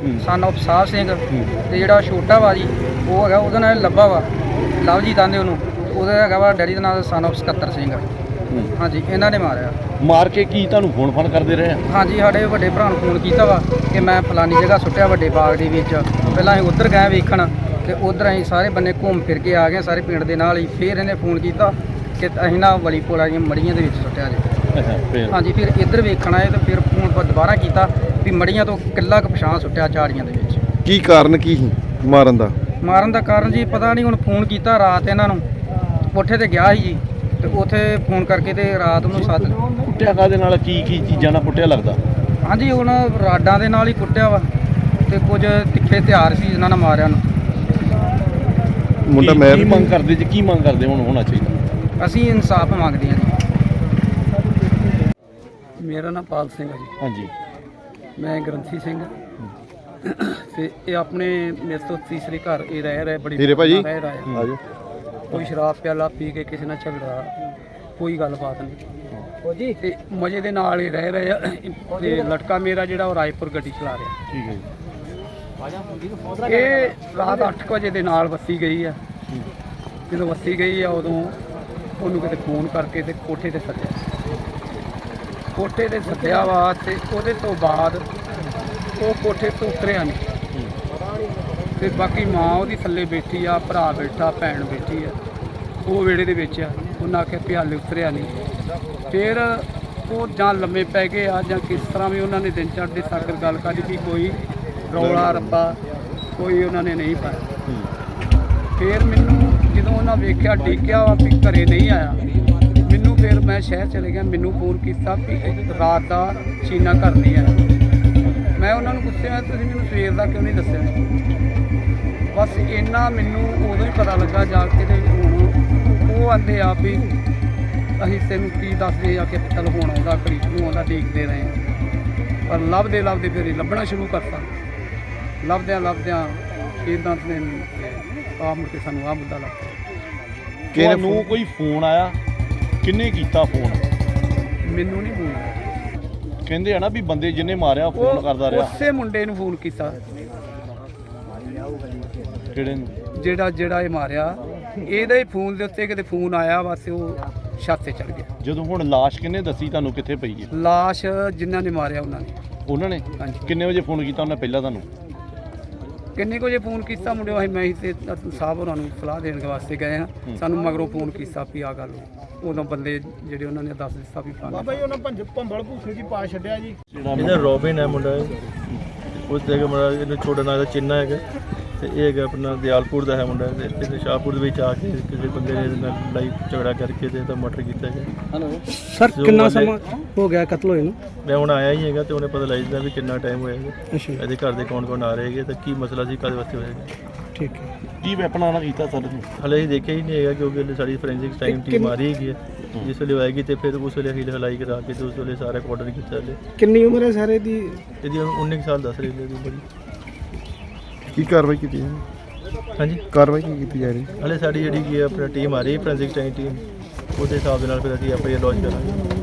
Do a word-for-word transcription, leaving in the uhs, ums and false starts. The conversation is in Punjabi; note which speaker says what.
Speaker 1: ਸਨ ਆਫ ਸਾਹਿਬ ਸਿੰਘ ਤੇ ਜਿਹੜਾ ਛੋਟਾ ਵਾ ਜੀ ਉਹ ਹੈਗਾ ਉਹਦਾ ਨਾਮ ਲੱਭਾ ਵਾ ਲਵਜੀਤ ਆਂਦੇ ਉਹਨੂੰ ਉਹਦਾ ਹੈਗਾ ਵਾ ਡੈਡੀ ਦਾ ਨਾਮ ਸਨ ਆਫ ਸਕੱਤਰ ਸਿੰਘ। ਹਾਂਜੀ ਇਹਨਾਂ ਨੇ ਮਾਰਿਆ।
Speaker 2: ਮਾਰ ਕੇ ਕੀ ਤੁਹਾਨੂੰ ਫੋਨ ਫਾਨ ਕਰਦੇ ਰਹੇ?
Speaker 1: ਹਾਂਜੀ ਸਾਡੇ ਵੱਡੇ ਭਰਾ ਨੂੰ ਫੋਨ ਕੀਤਾ ਵਾ ਕਿ ਮੈਂ ਫਲਾਨੀ ਜਗ੍ਹਾ ਸੁੱਟਿਆ ਵੱਡੇ ਬਾਗ ਦੇ ਵਿੱਚ। ਪਹਿਲਾਂ ਅਸੀਂ ਉੱਧਰ ਗਏ ਵੇਖਣ ਤੇ ਉੱਧਰ ਅਸੀਂ ਸਾਰੇ ਬੰਨੇ ਘੁੰਮ ਫਿਰ ਕੇ ਆ ਗਏ ਸਾਰੇ ਪਿੰਡ ਦੇ ਨਾਲ ਹੀ। ਫਿਰ ਇਹਨੇ ਫੋਨ ਕੀਤਾ ਕਿ ਅਸੀਂ ਨਾ ਵਲੀ ਪੋਲਾ ਦੀਆਂ ਮੜੀਆਂ ਦੇ ਵਿੱਚ ਸੁੱਟਿਆ ਜੀ। ਹਾਂਜੀ ਫਿਰ ਇੱਧਰ ਵੇਖਣ ਆਏ ਤੇ ਫਿਰ ਫੋਨ ਦੁਬਾਰਾ ਕੀਤਾ ਵੀ ਮੜੀਆਂ ਤੋਂ ਕਿੱਲਾ ਕੁ ਪਛਾਣ ਸੁੱਟਿਆ ਝਾੜੀਆਂ ਦੇ ਵਿੱਚ।
Speaker 3: ਕੀ ਕਾਰਨ ਕੀ ਸੀ ਮਾਰਨ ਦਾ?
Speaker 1: ਮਾਰਨ ਦਾ ਕਾਰਨ ਜੀ ਪਤਾ ਨਹੀਂ। ਹੁਣ ਫੋਨ ਕੀਤਾ ਰਾਤ ਇਹਨਾਂ ਨੂੰ ਕੋਠੇ ਤੇ ਗਿਆ ਸੀ ਜੀ ਤੇ ਉੱਥੇ ਫੋਨ ਕਰਕੇ ਤੇ ਰਾਤ ਨੂੰ ਸੱਦ
Speaker 2: ਕੁੱਟਿਆ ਕਾਹਦੇ ਨਾਲ? ਕੀ ਕੀ ਚੀਜ਼ਾਂ ਨਾਲ ਕੁੱਟਿਆ ਲੱਗਦਾ?
Speaker 1: ਹਾਂਜੀ ਹੁਣ ਰਾਡਾਂ ਦੇ ਨਾਲ ਹੀ ਕੁੱਟਿਆ ਵਾ ਤੇ ਕੁਝ ਤਿੱਖੇ ਹਥਿਆਰ ਸੀ ਜਿਨ੍ਹਾਂ ਨਾਲ ਮਾਰਿਆ ਨੂੰ।
Speaker 3: ਮੁੰਡਾ
Speaker 2: ਕੀ-
Speaker 3: ਮੈਰ
Speaker 2: ਕੀ ਮੰਗ ਕਰਦੇ ਜੀ? ਕੀ ਮੰਗ ਕਰਦੇ ਹੁਣ ਹੋਣਾ ਚਾਹੀਦਾ?
Speaker 1: ਅਸੀਂ ਇਨਸਾਫ ਮੰਗਦੇ ਹਾਂ ਜੀ। ਮੇਰਾ ਨਾਮ ਪਾਲ ਸਿੰਘ ਹੈ ਜੀ।
Speaker 2: ਹਾਂਜੀ
Speaker 1: ਮੈਂ ਗ੍ਰੰਥੀ ਸਿੰਘ ਤੇ ਇਹ ਆਪਣੇ ਮੇਰੇ ਤੋਂ ਤੀਸਰੇ ਘਰ ਇਹ ਰਹਿ ਰਿਹਾ ਬੜੀ
Speaker 3: ਹੀਰੇ ਭਾਜੀ
Speaker 1: ਰਹਿ ਰਿਹਾ।
Speaker 3: ਆਜੋ।
Speaker 1: ਕੋਈ ਸ਼ਰਾਬ ਪਿਆਲਾ ਪੀ ਕੇ ਕਿਸੇ ਨਾਲ ਝਗੜਾ ਕੋਈ ਗੱਲਬਾਤ ਨਹੀਂ ਜੀ ਤੇ ਮਜ਼ੇ ਦੇ ਨਾਲ ਹੀ ਰਹਿ ਰਹੇ ਆ। ਤੇ ਲੜਕਾ ਮੇਰਾ ਜਿਹੜਾ ਉਹ ਰਾਏਪੁਰ ਗੱਡੀ ਚਲਾ ਰਿਹਾ।
Speaker 2: ਠੀਕ ਹੈ ਜੀ।
Speaker 1: ਇਹ ਰਾਤ ਅੱਠ ਵਜੇ ਦੇ ਨਾਲ ਵੱਸੀ ਗਈ ਆ। ਜਦੋਂ ਵੱਸੀ ਗਈ ਆ ਉਦੋਂ ਉਹਨੂੰ ਕਿਤੇ ਫੋਨ ਕਰਕੇ ਤੇ ਕੋਠੇ ਤੇ ਸੱਦਿਆ। ਕੋਠੇ ਤੇ ਸੱਦਿਆ ਵਾ ਤੇ ਉਹਦੇ ਤੋਂ ਬਾਅਦ ਉਹ ਕੋਠੇ ਤੋਂ ਉਤਰਿਆ ਨਹੀਂ ਤੇ ਬਾਕੀ ਮਾਂ ਉਹਦੀ ਥੱਲੇ ਬੈਠੀ ਆ, ਭਰਾ ਬੈਠਾ, ਭੈਣ ਬੈਠੀ ਆ, ਉਹ ਵਿਹੜੇ ਦੇ ਵਿੱਚ ਆ। ਉਹਨਾਂ ਆਖਿਆ ਵੀ ਹਾਲੇ ਉਤਰਿਆ ਨਹੀਂ। ਫਿਰ ਉਹ ਜਾਂ ਲੰਮੇ ਪੈ ਗਏ ਆ ਜਾਂ ਕਿਸ ਤਰ੍ਹਾਂ ਵੀ ਉਹਨਾਂ ਨੇ ਦਿਨ ਚੜ੍ਹਦੇ ਸਾਕਰ ਗੱਲ ਕਰੀ ਵੀ ਕੋਈ ਰੌਲਾ ਰੱਪਾ ਕੋਈ ਉਹਨਾਂ ਨੇ ਨਹੀਂ ਪਾਇਆ। ਫਿਰ ਮੈਨੂੰ ਜਦੋਂ ਉਹਨਾਂ ਵੇਖਿਆ ਡਿੱਗਿਆ ਵਾ ਵੀ ਘਰੇ ਨਹੀਂ ਆਇਆ, ਮੈਨੂੰ ਫਿਰ ਮੈਂ ਸ਼ਹਿਰ ਚਲੇ ਗਿਆ। ਮੈਨੂੰ ਫੋਨ ਕੀਤਾ ਵੀ ਰਾਤ ਦਾ ਚੀਨਾ ਘਰ ਨਹੀਂ ਆਇਆ। ਮੈਂ ਉਹਨਾਂ ਨੂੰ ਪੁੱਛਿਆ ਤੁਸੀਂ ਮੈਨੂੰ ਸਵੇਰ ਦਾ ਕਿਉਂ ਨਹੀਂ ਦੱਸਿਆ? ਬਸ ਇੰਨਾ ਮੈਨੂੰ ਉਦੋਂ ਹੀ ਪਤਾ ਲੱਗਾ ਜਾ ਕੇ ਤੇ ਹੁਣ ਉਹ ਆਂਦੇ ਆ ਵੀ ਅਸੀਂ ਤੈਨੂੰ ਕੀ ਦੱਸਦੇ ਆ ਕਿ ਚੱਲ ਹੁਣ ਆਉਂਦਾ ਘੜੀ ਨੂੰ ਆਉਂਦਾ ਦੇਖਦੇ ਰਹੇ ਹਾਂ। ਪਰ ਲੱਭਦੇ ਲੱਭਦੇ ਫਿਰ ਇਹ ਲੱਭਣਾ ਸ਼ੁਰੂ ਕਰਤਾ। ਲੱਭਦਿਆਂ ਲੱਭਦਿਆਂ ਇੱਦਾਂ ਤੇ ਆ ਮੁੜ ਕੇ ਸਾਨੂੰ ਆਹ ਮੁੱਦਾ ਲੱਗ ਪਿਆ।
Speaker 2: ਤੁਹਾਨੂੰ ਕੋਈ ਫੋਨ ਆਇਆ? ਕਿੰਨੇ ਕੀਤਾ ਫੋਨ?
Speaker 1: ਮੈਨੂੰ ਨਹੀਂ ਫੋਨ।
Speaker 2: ਕਹਿੰਦੇ ਆ ਨਾ ਵੀ ਬੰਦੇ ਜਿਹਨੇ ਮਾਰਿਆ ਫੋਨ ਕਰਦਾ ਰਿਹਾ।
Speaker 1: ਉਸੇ ਮੁੰਡੇ ਨੂੰ ਫੋਨ ਕੀਤਾ
Speaker 2: ਕਿਹੜੇ ਨੂੰ?
Speaker 1: ਜਿਹੜਾ ਜਿਹੜਾ ਇਹ ਮਾਰਿਆ ਇਹਦੇ ਹੀ ਫੋਨ ਦੇ ਉੱਤੇ ਕਿਤੇ ਫੋਨ ਆਇਆ ਬਸ ਉਹ ਛੱਤ ਤੇ ਚੜ ਗਿਆ।
Speaker 2: ਜਦੋਂ ਹੁਣ ਲਾਸ਼ ਕਿੰਨੇ ਦੱਸੀ ਤੁਹਾਨੂੰ ਕਿੱਥੇ ਪਈ ਹੈ?
Speaker 1: ਲਾਸ਼ ਜਿਨ੍ਹਾਂ ਨੇ ਮਾਰਿਆ ਉਹਨਾਂ ਨੇ।
Speaker 2: ਉਹਨਾਂ ਨੇ?
Speaker 1: ਹਾਂਜੀ।
Speaker 2: ਕਿੰਨੇ ਵਜੇ ਫੋਨ ਕੀਤਾ ਉਹਨੇ ਪਹਿਲਾਂ ਤੁਹਾਨੂੰ?
Speaker 1: ਕਿੰਨੇ ਕੁ ਵਜੇ ਫੋਨ ਕੀਤਾ ਮੁੰਡੇ ਅਸੀਂ ਮੈਂ ਤੇ ਸਾਹਿਬ ਹੋਰਾਂ ਨੂੰ ਸਲਾਹ ਦੇਣ ਵਾਸਤੇ ਗਏ ਹਾਂ। ਸਾਨੂੰ ਮਗਰੋਂ ਫੋਨ ਕੀਤਾ ਵੀ ਆ ਗੱਲ ਉਦੋਂ ਬੰਦੇ ਜਿਹੜੇ ਉਹਨਾਂ ਨੇ ਦੱਸ ਦਿੱਤਾ ਵੀ ਫਲਾਣਾ
Speaker 4: ਬਾਬਾ ਜੀ ਉਹਨਾਂ ਭੰਜ ਭੰਬਲ ਭੂਸੇ ਜੀ ਪਾ ਛੱਡਿਆ ਜੀ।
Speaker 5: ਇਹਦਾ ਰੋਬਿਨ ਹੈ ਮੁੰਡਾ, ਉਸ ਜਗ੍ਹਾ ਮੁੰਡਾ ਇਹਨੂੰ ਛੋਟਾ ਨਾਂ ਦਾ ਚਿੰਨਾ ਹੈਗਾ ਤੇ ਇਹ ਹੈਗਾ ਆਪਣਾ ਦਿਆਲਪੁਰ ਦਾ ਹੈ ਮੁੰਡਾ। ਤੇ ਇੱਥੇ ਸ਼ਾਹਪੁਰ ਦੇ ਵਿੱਚ ਆ ਕੇ ਕਿਸੇ ਬੰਦੇ ਨੇ ਇਹਦੇ ਨਾਲ ਲੜਾਈ ਝਗੜਾ ਕਰਕੇ ਤੇ ਇਹਦਾ ਮਰਡਰ ਕੀਤਾ ਗਿਆ।
Speaker 1: ਹੈਲੋ ਸਰ ਕਿੰਨਾ ਸਮਾਂ ਹੋ ਗਿਆ ਕਤਲ ਹੋਏ ਨੂੰ?
Speaker 5: ਮੈਂ ਹੁਣ ਆਇਆ ਹੀ ਹੈਗਾ ਤੇ ਉਹਨੇ ਪਤਾ ਲੱਗ ਜਾਂਦਾ ਵੀ ਕਿੰਨਾ ਟਾਈਮ ਹੋਇਆ ਹੈਗਾ।
Speaker 1: ਅੱਛਾ
Speaker 5: ਇਹਦੇ ਘਰ ਦੇ ਕੌਣ ਕੌਣ ਆ ਰਹੇ ਹੈਗੇ ਤੇ ਕੀ ਮਸਲਾ ਸੀ, ਕਾਹਦੇ ਵਾਸਤੇ ਹੋਏਗਾ।
Speaker 1: ਠੀਕ ਹੈ।
Speaker 2: ਕੀ ਵੈਪਨ ਆਣਾ ਕੀਤਾ ਸਰ ਨੂੰ?
Speaker 5: ਹਲੇ ਅਸੀਂ ਦੇਖਿਆ ਹੀ ਨਹੀਂ ਹੈਗਾ ਕਿਉਂਕਿ ਹਲੇ ਸਾਡੀ ਫੋਰੈਂਸਿਕ ਟਾਈਮ ਟੀਮ ਆ ਰਹੀ ਹੈਗੀ ਹੈ। ਜਿਸ ਵੇਲੇ ਆਏਗੀ ਤੇ ਫਿਰ ਉਸ ਵੇਲੇ ਹੀਲ ਹਲਾਈ ਕਰਾ ਕੇ ਤੇ ਉਸ ਵੇਲੇ ਸਾਰਾ ਆਰਡਰ ਕੀਤਾ। ਹਲੇ
Speaker 1: ਕਿੰਨੀ ਉਮਰ ਹੈ ਸਾਰੇ ਦੀ?
Speaker 5: ਇਹਦੀ ਉੱਨੀ ਕੁ ਸਾਲ ਦੱਸ ਰਹੀ ਹੈ ਇਹਦੀ ਬੜੀ।
Speaker 3: ਕੀ ਕਾਰਵਾਈ ਕੀਤੀ ਹੈ?
Speaker 5: ਹਾਂਜੀ
Speaker 3: ਕਾਰਵਾਈ ਕੀ ਕੀਤੀ ਜਾ ਰਹੀ?
Speaker 5: ਹਲੇ ਸਾਡੀ ਜਿਹੜੀ ਕੀ ਆਪਣਾ ਟੀਮ ਆ ਰਹੀ ਫੋਰੈਂਸਿਕ ਟਾਈਮ ਟੀਮ ਉਹਦੇ ਹਿਸਾਬ ਦੇ ਨਾਲ ਫਿਰ ਅਸੀਂ ਐਫ ਆਈ ਆਰ ਲੌਂਚ ਕਰਾਂਗੇ।